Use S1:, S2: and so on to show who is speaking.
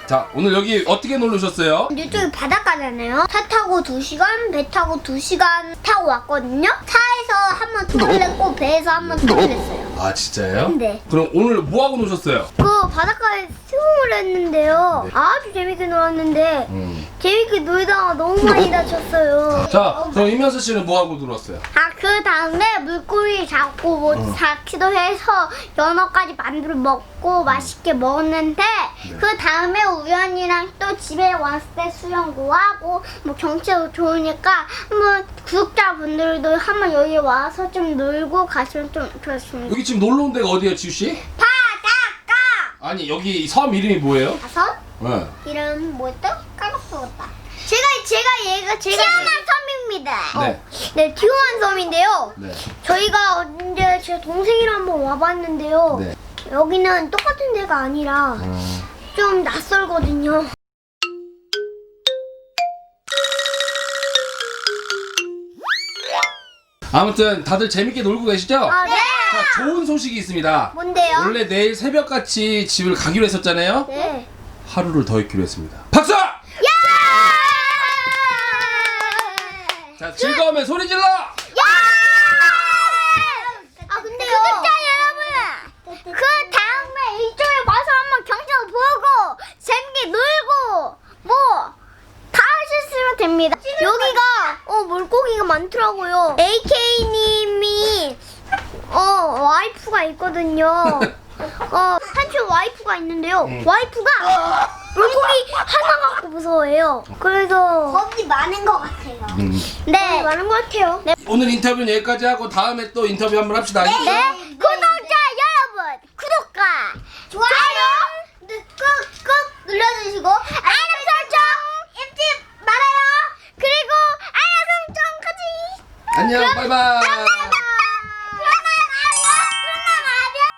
S1: 자, 오늘 여기 어떻게 놀러 오셨어요?
S2: 이쪽이 바닷가잖아요. 차 타고 2시간, 배 타고 2시간 타고 왔거든요. 차에서 한번 토를 냈고 배에서 한번 토를 냈어요.
S1: 아, 진짜요?
S2: 네.
S1: 그럼 오늘 뭐 하고 노셨어요?
S2: 그 바닷가에 수영을 했는데요.
S1: 네.
S2: 아주 재밌게 놀았는데 재밌게 놀다가 너무 많이 다쳤어요.
S1: 자, 그럼 이면수 씨는 뭐 하고 놀았어요?
S2: 그 다음에 물고기 잡고 뭐 잡기도 해서 연어까지 만들어 먹고 맛있게 먹었는데 그 다음에 우연이랑 또 집에 왔을 때 수영도 하고 뭐 경치도 좋으니까 한번 구독자분들도 한번 여기 와서 좀 놀고 가시면 좀 좋습니다.
S1: 여기 지금 놀러 온 데가 어디예요, 지우 씨?
S2: 바닷가!
S1: 아니, 여기 섬 이름이 뭐예요?
S2: 다섯?
S1: 네.
S2: 이름 뭐였다? 까먹었다. 제가 티오만 섬입니다.
S1: 네.
S2: 네, 티오만 섬인데요.
S1: 네.
S2: 저희가 언제 제 동생이랑 한번 와봤는데요.
S1: 네.
S2: 여기는 똑같은 데가 아니라 좀 낯설거든요.
S1: 아무튼 다들 재밌게 놀고 계시죠?
S2: 아, 네.
S1: 자, 좋은 소식이 있습니다.
S2: 뭔데요?
S1: 원래 내일 새벽같이 집을 가기로 했었잖아요.
S2: 네.
S1: 하루를 더 있기로 했습니다. 박수! 자, 즐거우면 소리 질러!
S2: 근데요. 구독자 여러분, 그 다음에 이쪽에 와서 한번 경찰 보고 재밌게 놀고 뭐 다 하셨으면 됩니다. 여기가 물고기가 많더라고요. AK님이 와이프가 있거든요. 한쪽 와이프가 있는데요. 와이프가 물고기 하나 갖고 무서워해요. 그래서 겁이 많은 것 같아요. 네, 많은 것 같아요. 네.
S1: 오늘 인터뷰는 여기까지 하고 다음에 또 인터뷰 한번 합시다.
S2: 네. 구독자 여러분, 구독과 좋아요 꾹꾹 눌러주시고 알람 설정 잊지 말아요. 그리고 알람 설정까지.
S1: 안녕, 바이바이.